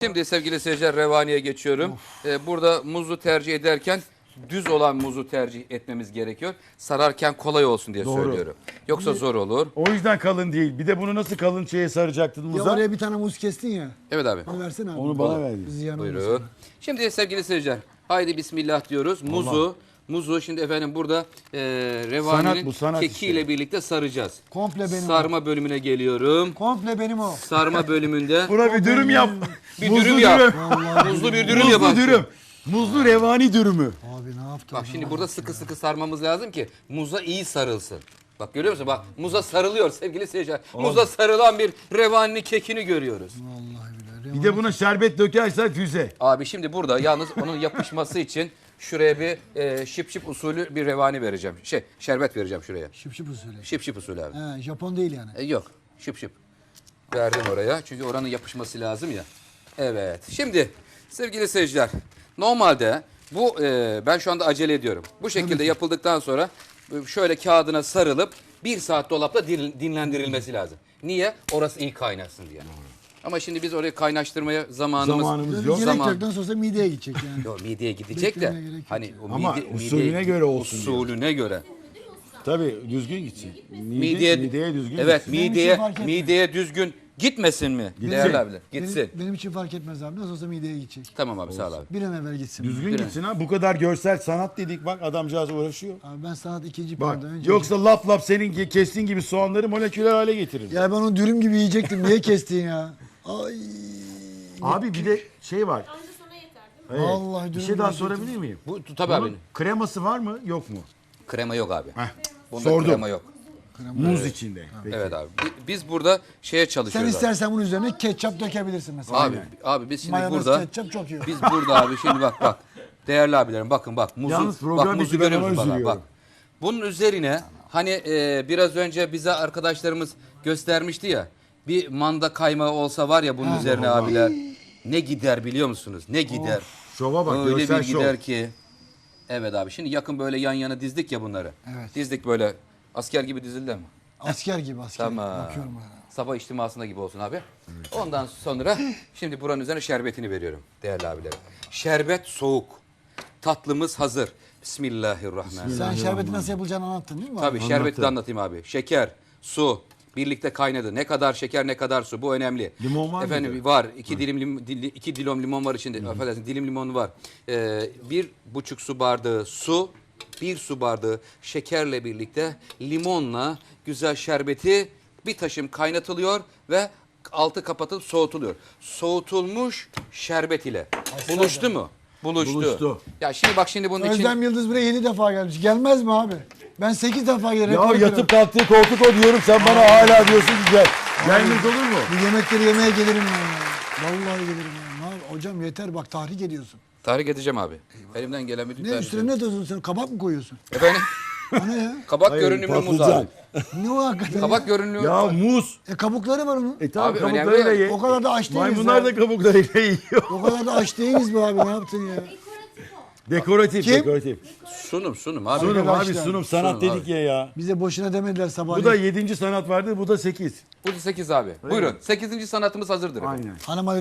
Şimdi sevgili seyirciler revaniye geçiyorum. Burada muzu tercih ederken düz olan muzu tercih etmemiz gerekiyor. Sararken kolay olsun diye söylüyorum. Yoksa zor olur. O yüzden kalın değil. Bir de bunu nasıl kalın şeye saracaktın Ya muza? oraya bir tane muz kestin ya. Evet abi. Onu versene abi. Onu bana verdin. Ziyan olmasın. Buyurun. Şimdi sevgili seyirciler haydi bismillah diyoruz. Muzu şimdi efendim burada revaninin sanat kekiyle işte. birlikte saracağız. Komple benim Sarma bölümüne geliyorum. Komple benim o. Sarma bölümünde Buna bir dürüm yap. bir Muzlu dürüm yap. dürüm. Muzlu bir dürüm yap. Muzlu dürüm. Muzlu revani dürümü. Abi ne yaptın? Bak şimdi burada sıkı sıkı sarmamız lazım ki muza iyi sarılsın. Bak görüyor musun? Bak muza sarılıyor sevgili seyirciler. Muza sarılan bir revaninin kekini görüyoruz. Vallahi billahi. Bir de buna şerbet dökersen füze. Abi şimdi burada yalnız onun yapışması için şuraya bir şıp şıp usulü bir revani vereceğim. Şerbet vereceğim şuraya. Şıp şıp usulü. Şıp şıp usulü abi. He, Japon değil yani. Yok şıp şıp. Verdim oraya çünkü oranın yapışması lazım ya. Evet şimdi sevgili seyirciler normalde bu ben şu anda acele ediyorum. Bu şekilde yapıldıktan sonra şöyle kağıdına sarılıp 1 saat dolapta dinlendirilmesi lazım. Niye? Orası iyi kaynasın diye. Ama şimdi biz orayı kaynaştırmaya zamanımız Yok. Zaman- Gerek yok. Nasıl olsa mideye gidecek yani. Yok mideye gidecek de Beklemeye gerek yok. hani o Ama usulüne göre olsun diyor. Usulüne göre. Tabii düzgün gitsin. Mideye düzgün evet gitsin. Benim için mideye fark etmez. mideye düzgün gitmesin mi? Değerli abiler. Gitsin. Benim için fark etmez abi. Nasıl olsa mideye gidecek. Tamam abi sağ ol abi. Bir an evvel gitsin. Düzgün gitsin ha. Bu kadar görsel sanat dedik bak adamcağız uğraşıyor. Abi ben sanat ikinci Bak planda. Önce yoksa lap lap senin kestiğin gibi soğanları moleküler hale getirir. Ya ben onu dürüm gibi yiyecektim. Niye kestin ya? Ay. Abi bir de şey var. Anca sana yeter değil mi? Evet. Vallahi Bir dürüm şey daha yiyecektim. sorabilir miyim? Bu tabii abi. Bunun kreması var mı yok mu? Krema yok abi. Heh, Bunda sordum. krema yok. Muz içinde. Peki. Evet abi. Biz burada şeye Sen çalışıyoruz. abi. istersen bunun üzerine ketçap dökebilirsin mesela. Abi biz şimdi Mayonez, burada ketçap çok iyi. biz burada abi şimdi bak. Değerli abilerim bakın muzu Yalnız program bak muzu bitti, ben görüyor musun? ona Bak. üzülüyorum. Bunun üzerine hani biraz önce bize arkadaşlarımız göstermişti ya. Bir manda kaymağı olsa var ya bunun üzerine abiler. Ne gider biliyor musunuz? Ne gider? Şova bak Öyle görsel bir şov. gider ki. Evet abi şimdi yakın böyle yan yana dizdik ya bunları. Evet. Dizdik böyle asker gibi dizildi mi? Asker gibi asker. Tamam. Bakıyorum hala. Sabah içtimasında gibi olsun abi. Ondan sonra şimdi buranın üzerine şerbetini veriyorum değerli abilerim. Şerbet soğuk. Tatlımız hazır. Bismillahirrahmanirrahim. Sen şerbeti nasıl yapılacağını anlattın değil mi? abi? Tabii şerbeti de anlatayım abi. Şeker, su birlikte kaynadı. Ne kadar şeker ne kadar su bu önemli. Limon var Efendim mıydı? var. 2 dilim limon var içinde. Affedersin dilim limonu var. 1,5 su bardağı su. 1 su bardağı şekerle birlikte limonla güzel şerbeti bir taşım kaynatılıyor ve altı kapatılıp soğutuluyor. Soğutulmuş şerbet ile. Buluştu mu? Buluştu. Ya şimdi bak şimdi bunun için Özlem Yıldız buraya yeni defa gelmiş. Gelmez mi abi? Ben 8 defa gelirim. Ya yatıp kalktığı koltuk o diyorum sen bana hala diyorsun ki gel. Gelmez olur mu? Bu yemekleri yemeye gelirim ya. Vallahi gelirim ya. Hocam yeter bak tahrik ediyorsun. tahrik edeceğim abi. Elimden gelen bütün Ne tahrik üstüne ne atıyorsun sen? Kabak mı koyuyorsun? Efendim O ne ya? kabak Hayır, görünümlü muz patlıcan. abi. Ne o hakikaten? Kabak görünümlü Ya muz. Kabukları var onun. Tamam Abi kabuklarıyla önemli. ye. O kadar da aç değiliz Maymunlar ya. da kabuklarıyla yiyor. O kadar da aç değiliz be abi ne yaptın ya? Dekoratif, Kim? dekoratif. Sunum abi. Sunum abi Arkadaşlar, sunum sanat sunum dedik abi. ya. Bize boşuna demediler sabah. Bu da 7. sanat vardı bu da 8. Bu da 8 abi. Buyurun. 8. sanatımız hazırdır. Aynen. Hanıma